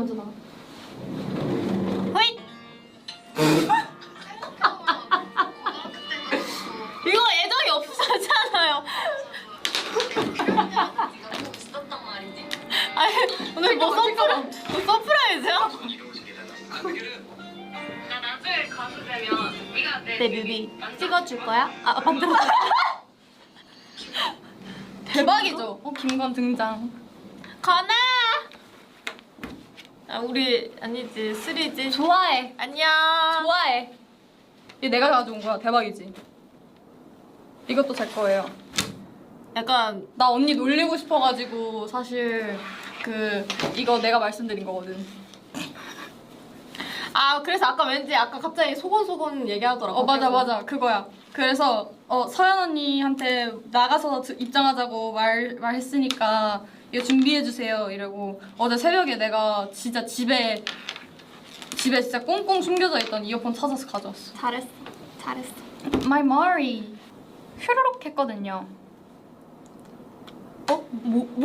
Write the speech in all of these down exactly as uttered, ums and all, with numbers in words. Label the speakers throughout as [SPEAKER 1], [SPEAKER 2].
[SPEAKER 1] 먼저 나가.
[SPEAKER 2] 호잇! 이거 애정이 없었잖아요. 아니 오늘 뭐 서프라 뭐 서프라이즈야?
[SPEAKER 3] 나 나중에 가수 되면 네가 내
[SPEAKER 2] 내 뮤비 찍어줄 거야? 아 만들어.
[SPEAKER 1] 대박이죠? 어, 김건 등장.
[SPEAKER 2] 건아. 아 우리 아니지 쓰리지.
[SPEAKER 1] 좋아해.
[SPEAKER 2] 안녕.
[SPEAKER 1] 좋아해. 이 내가 가져온 거야. 대박이지? 이것도 제 거예요.
[SPEAKER 2] 약간
[SPEAKER 1] 나 언니 놀리고 싶어가지고 사실 그 이거 내가 말씀드린 거거든.
[SPEAKER 2] 아 그래서 아까 왠지 아까 갑자기 소곤소곤 얘기하더라고.
[SPEAKER 1] 어 맞아 맞아 그거야. 그래서 어 서연 언니한테 나가서 드- 입장하자고 말 말했으니까 이거 준비해 주세요 이러고 어제 새벽에 내가 진짜 집에 집에 진짜 꽁꽁 숨겨져 있던 이어폰 찾아서 가져왔어.
[SPEAKER 2] 잘했어. 잘했어.
[SPEAKER 1] My Mari 휘루룩 했거든요.
[SPEAKER 2] 어? 뭐 뭐?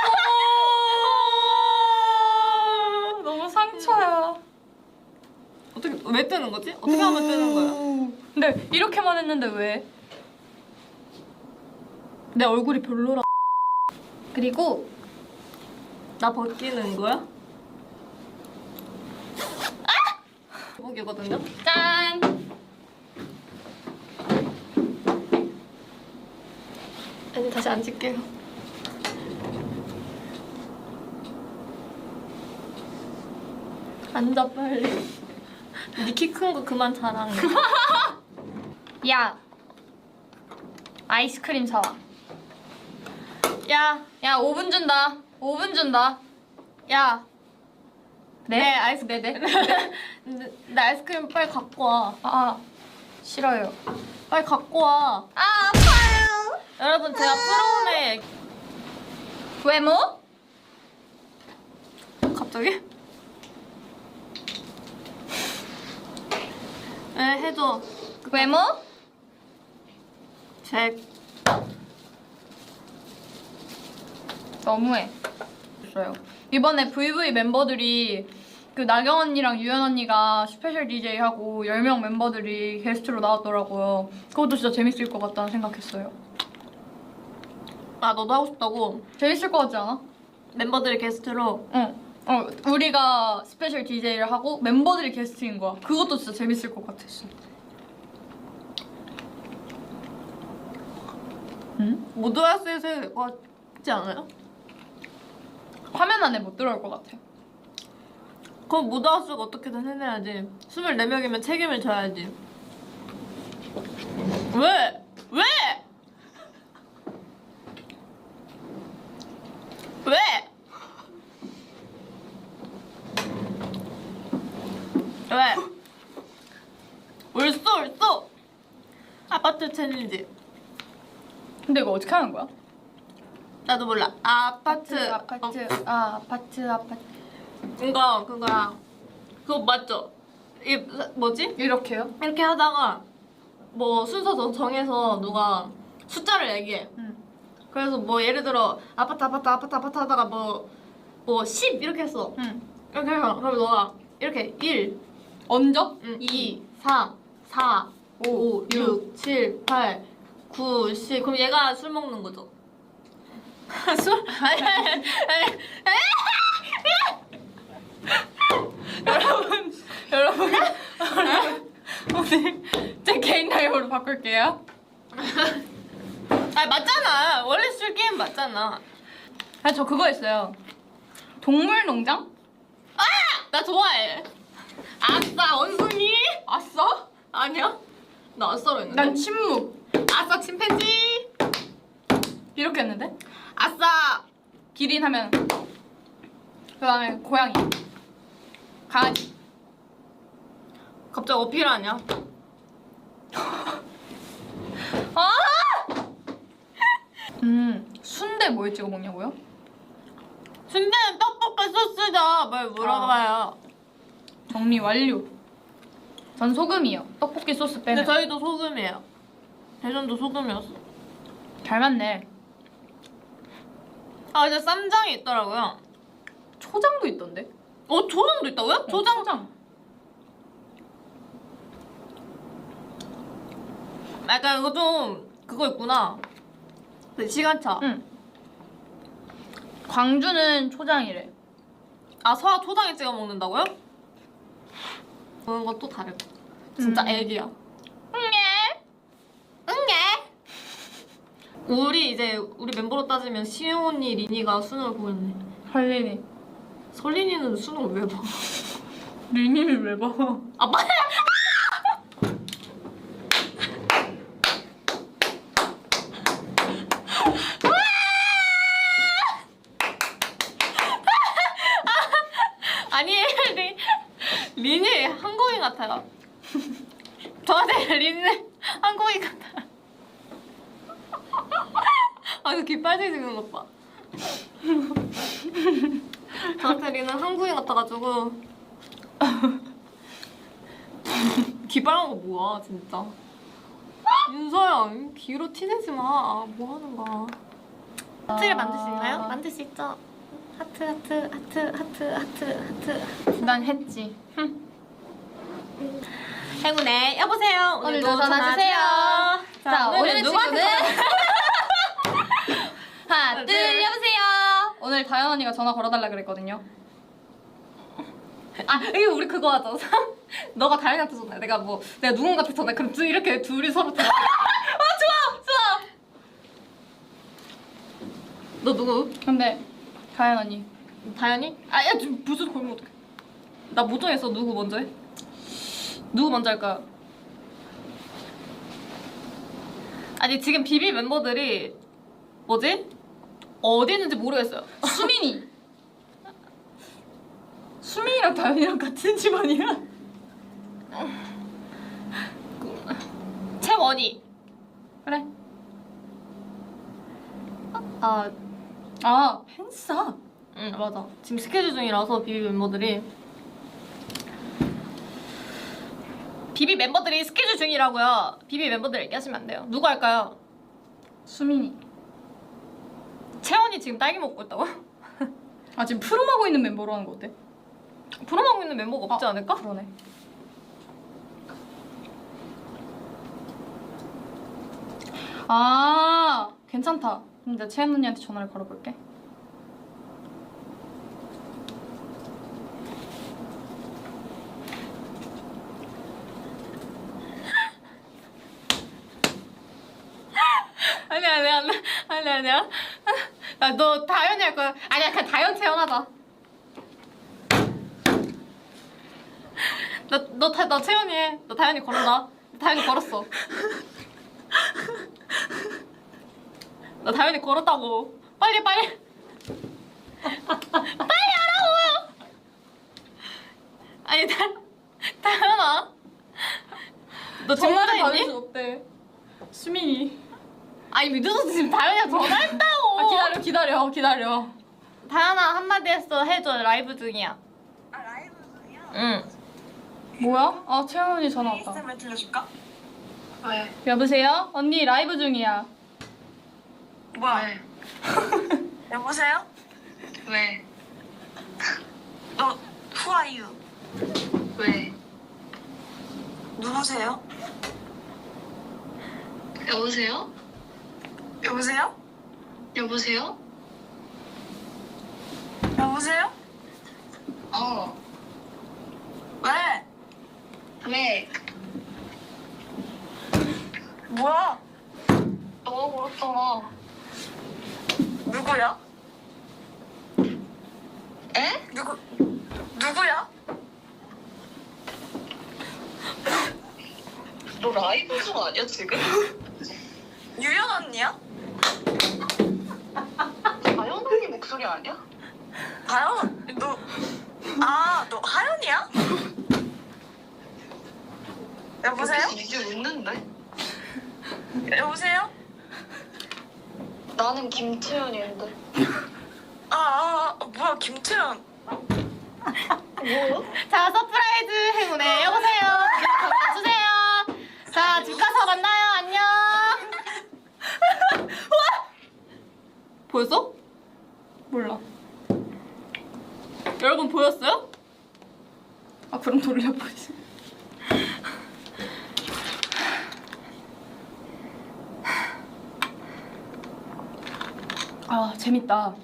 [SPEAKER 1] 너무 상처야.
[SPEAKER 2] 어떻게 왜 뜨는 거지? 어떻게 하면 뜨는 거야?
[SPEAKER 1] 근데 이렇게만 했는데 왜?
[SPEAKER 2] 내 얼굴이 별로라.
[SPEAKER 1] 그리고
[SPEAKER 2] 나 벗기는 거야? 아! 제목이거든요.
[SPEAKER 1] 짠!
[SPEAKER 2] 아니 다시 앉을게요. 앉아 빨리. 니 키 큰 거 그만 자랑해.
[SPEAKER 1] 야 아이스크림 사와.
[SPEAKER 2] 야,
[SPEAKER 1] 야 오 분 준다. 오 분 준다.
[SPEAKER 2] 야.
[SPEAKER 1] 네?
[SPEAKER 2] 네, 아이스
[SPEAKER 1] 네네.
[SPEAKER 2] 내, 내 아이스크림 빨리 갖고 와.
[SPEAKER 1] 아 싫어요.
[SPEAKER 2] 빨리 갖고 와.
[SPEAKER 1] 아 아파요.
[SPEAKER 2] 여러분 제가 프롬에
[SPEAKER 1] 외모?
[SPEAKER 2] 갑자기? 네, 해줘.
[SPEAKER 1] 외모?
[SPEAKER 2] 잭.
[SPEAKER 1] 너무해. 있어요. 이번에 브이브이 멤버들이 그 나경 언니랑 유연 언니가 스페셜 디제이 하고 열 명 멤버들이 게스트로 나왔더라고요. 그것도 진짜 재밌을 것 같다는 생각했어요.
[SPEAKER 2] 아 너도 하고 싶다고?
[SPEAKER 1] 재밌을 것 같지 않아?
[SPEAKER 2] 멤버들 게스트로.
[SPEAKER 1] 응. 어, 우리가 스페셜 디제이를 하고 멤버들이 게스트인 거야. 그것도 진짜 재밌을 것 같았어. 응?
[SPEAKER 2] 모드하우스에서 해야 될 것 같지 않아요?
[SPEAKER 1] 화면 안에 못 들어올 것 같아.
[SPEAKER 2] 그럼 모드하우스가 어떻게든 해내야지. 스물네 명이면 책임을 져야지. 왜? 왜? 왜? 왜? 울쏘 울쏘. 아파트 챌린지.
[SPEAKER 1] 근데 이거 어떻게 하는 거야?
[SPEAKER 2] 나도 몰라. 아파트.
[SPEAKER 1] 아파트,
[SPEAKER 2] 어,
[SPEAKER 1] 아, 아파트, 아파트.
[SPEAKER 2] 그거 그거야. 그거 맞죠? 이 뭐지?
[SPEAKER 1] 이렇게요?
[SPEAKER 2] 이렇게 하다가 뭐 순서 정- 정해서 누가 숫자를 얘기해.
[SPEAKER 1] 응.
[SPEAKER 2] 그래서 뭐 예를 들어 아파트 아파트 아파트 아파트 하다가 뭐 뭐 십 이렇게 했어.
[SPEAKER 1] 응.
[SPEAKER 2] 이렇게 해서 그럼 너가 이렇게 일,
[SPEAKER 1] 얹어?
[SPEAKER 2] 이, 삼, 사, 오, 육, 칠, 팔, 구, 십. 그럼 얘가 술 먹는 거죠. 술? 아니 아니 아니.
[SPEAKER 1] 여러분, 여러분, 오늘 제 개인 라이브로 바꿀게요.
[SPEAKER 2] 아 맞잖아. 원래 술 게임 맞잖아.
[SPEAKER 1] 아, 저 그거 있어요. 동물농장?
[SPEAKER 2] 아! 나 좋아해. 아싸 원숭이.
[SPEAKER 1] 아싸?
[SPEAKER 2] 아니야? 나 아싸로 했는데.
[SPEAKER 1] 난 침묵.
[SPEAKER 2] 아싸 침팬지.
[SPEAKER 1] 이렇게 했는데?
[SPEAKER 2] 아싸.
[SPEAKER 1] 기린 하면 그 다음에 고양이, 강아지.
[SPEAKER 2] 갑자기 어필하냐?
[SPEAKER 1] 아! 음, 순대 뭘 찍어 먹냐고요?
[SPEAKER 2] 순대는 떡볶이 소스다. 뭘 물어봐요.
[SPEAKER 1] 정리 완료. 전 소금이요. 떡볶이 소스
[SPEAKER 2] 근데
[SPEAKER 1] 빼면.
[SPEAKER 2] 저희도 소금이에요. 대전도 소금이었어.
[SPEAKER 1] 잘 맞네.
[SPEAKER 2] 아 이제 쌈장이 있더라고요.
[SPEAKER 1] 초장도 있던데?
[SPEAKER 2] 어 초장도 있다고요? 초장.
[SPEAKER 1] 초장.
[SPEAKER 2] 약간 이거 좀 그거 있구나. 그 시간차.
[SPEAKER 1] 응. 광주는 초장이래.
[SPEAKER 2] 아 서아 초장에 찍어 먹는다고요? 그런 건 또 다르고. 진짜
[SPEAKER 1] 음.
[SPEAKER 2] 애기야. 응애. 응애. 우리 이제 우리 멤버로 따지면 시영 언니, 리니가 수능을 보고 있네.
[SPEAKER 1] 할리니.
[SPEAKER 2] 설린이는 수능을 왜 봐?
[SPEAKER 1] 리니를 왜 봐?
[SPEAKER 2] 아 빨리. 아니 리, 리니 한국인 같아요. 저한테 리니는 한국인 같아요. 아, 그 귀 빨개지는 것 봐. 저한테 리는 한국인 같아가지고. 귀 빨간 거 뭐야, 진짜. 윤서야, 귀로 티내지 마. 뭐 하는 거야. 하트를 만들 수 있나요? 만들 수 있죠. 하트, 하트, 하트, 하트, 하트, 하트.
[SPEAKER 1] 난 했지.
[SPEAKER 2] 행운의 여보세요.
[SPEAKER 1] 오늘도 전화 주세요. 자, 오늘의
[SPEAKER 2] 누구한테
[SPEAKER 1] 친구는
[SPEAKER 2] 전화-
[SPEAKER 1] 하나, 둘,
[SPEAKER 2] 둘.
[SPEAKER 1] 여보세요. 오늘 다현 언니가 전화 걸어달라 그랬거든요.
[SPEAKER 2] 아, 이거 우리 그거 하자. 너가 다현이한테 전화해. 내가 뭐 내가 누군가한테 전화해. 그럼 둘 이렇게 둘이 서로 전화. 아, 좋아, 좋아. 너 누구?
[SPEAKER 1] 근데 다현 언니.
[SPEAKER 2] 다현이? 아, 야, 지금 무슨 걸면 어떡해. 나 못 정했어. 누구 먼저 해? 누구 먼저 할까? 아니, 지금 비비 멤버들이 뭐지? 어디 있는지 모르겠어요.
[SPEAKER 1] 수민이. 수민이랑 다현이랑 같은 집안이야?
[SPEAKER 2] 채원이.
[SPEAKER 1] 그래.
[SPEAKER 2] 아,
[SPEAKER 1] 아, 팬싸.
[SPEAKER 2] 응, 맞아. 지금 스케줄 중이라서 비비 멤버들이 비비 멤버들이 스케줄 중이라고요. 비비 멤버들 얘기하시면 안 돼요. 누구 할까요?
[SPEAKER 1] 수민이.
[SPEAKER 2] 채원이 지금 딸기 먹고 있다고?
[SPEAKER 1] 아, 지금 프롬하고 있는 멤버로 하는 거 어때?
[SPEAKER 2] 프롬하고 있는 멤버가 없지
[SPEAKER 1] 아,
[SPEAKER 2] 않을까?
[SPEAKER 1] 그러네. 아, 괜찮다. 그럼 내가 채연 언니한테 전화를 걸어볼게.
[SPEAKER 2] 아니 아니 아니 아니 아니야. 나너 다현이 할 거야. 아니야 그냥 다현 채연하자. 너너너 채연이 해. 너 다현이 걸었나? 다현이 걸었어. 나 다현이 걸었다고. 빨리 빨리. 빨리 하라고. 아니 다 다현아. 너 지금 혼자 있니?
[SPEAKER 1] 어때? 수민이.
[SPEAKER 2] 아니 늦어서 지금 다현이랑 전화했다고.
[SPEAKER 1] 아, 기다려, 기다려, 기다려.
[SPEAKER 2] 다현아 한마디 했어. 해줘. 라이브 중이야.
[SPEAKER 3] 아 라이브 중이야?
[SPEAKER 2] 응.
[SPEAKER 1] 뭐야? 아, 채연 언니 전화 왔다.
[SPEAKER 3] 에이에스엠알 들려줄까? 왜?
[SPEAKER 1] 여보세요? 언니 라이브 중이야.
[SPEAKER 3] 뭐야? 왜? 여보세요? 왜? 너 who are you? 왜? 누구세요? 여보세요? 여보세요? 여보세요? 여보세요? 어. 왜? 왜? 뭐야? 너가 그렇잖아. 누구야? 에? 누구? 누구야? 너 라이브 중 아니야 지금? 유연 언니야? 다현 언니 목소리 아니야? 다현? 너 아, 너 하연이야? 여보세요? 이제 웃는데? 여보세요? 나는 김채연인데. 아, 아, 아 뭐야 김채연? 뭐야?
[SPEAKER 2] 자 서프라이즈 행운에 여보세요. 전화 주세요. 자 집 가서 만나요. 안녕. 우와! 보였어?
[SPEAKER 1] 몰라.
[SPEAKER 2] 여러분 보였어요?
[SPEAKER 1] 아 그럼 돌려보지. 아 재밌다.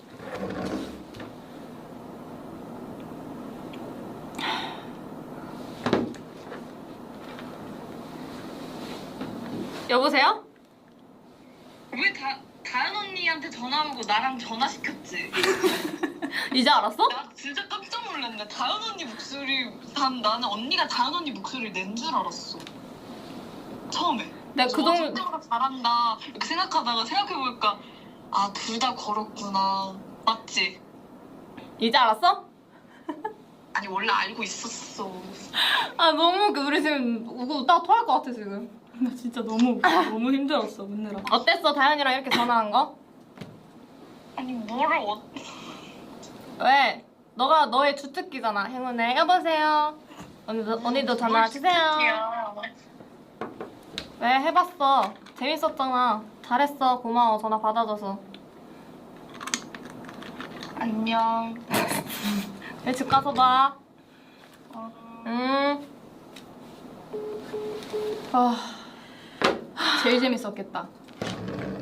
[SPEAKER 2] 여보세요?
[SPEAKER 3] 왜 다, 다현 언니한테 전화하고 나랑 전화시켰지?
[SPEAKER 2] 이제 알았어?
[SPEAKER 3] 나 진짜 깜짝 놀랐네. 다현 언니 목소리, 난, 나는 언니가 다현 언니 목소리를 낸 줄 알았어. 처음에.
[SPEAKER 1] 내가
[SPEAKER 3] 저
[SPEAKER 1] 그동
[SPEAKER 3] 진짜로 잘한다 이렇게 생각하다가 생각해보니까 아, 둘 다 걸었구나. 맞지?
[SPEAKER 2] 이제 알았어?
[SPEAKER 3] 아니, 원래 알고 있었어.
[SPEAKER 1] 아 너무 웃겨. 우리 지금 우고 웃다가 토할 것 같아 지금. 나 진짜 너무 너무 힘들었어 웃느라.
[SPEAKER 2] 어땠어 다현이랑 이렇게 전화한 거?
[SPEAKER 3] 아니, 뭐를 어...
[SPEAKER 2] 왜? 너가 너의 주특기잖아. 행운의 여보세요. 언니도 언니도 전화 주세요. 왜 해봤어? 재밌었잖아. 잘했어. 고마워. 전화 받아줘서.
[SPEAKER 3] 안녕.
[SPEAKER 2] 내 집 가서 봐.
[SPEAKER 3] 어...
[SPEAKER 2] 응.
[SPEAKER 1] 아 제일 재밌었겠다.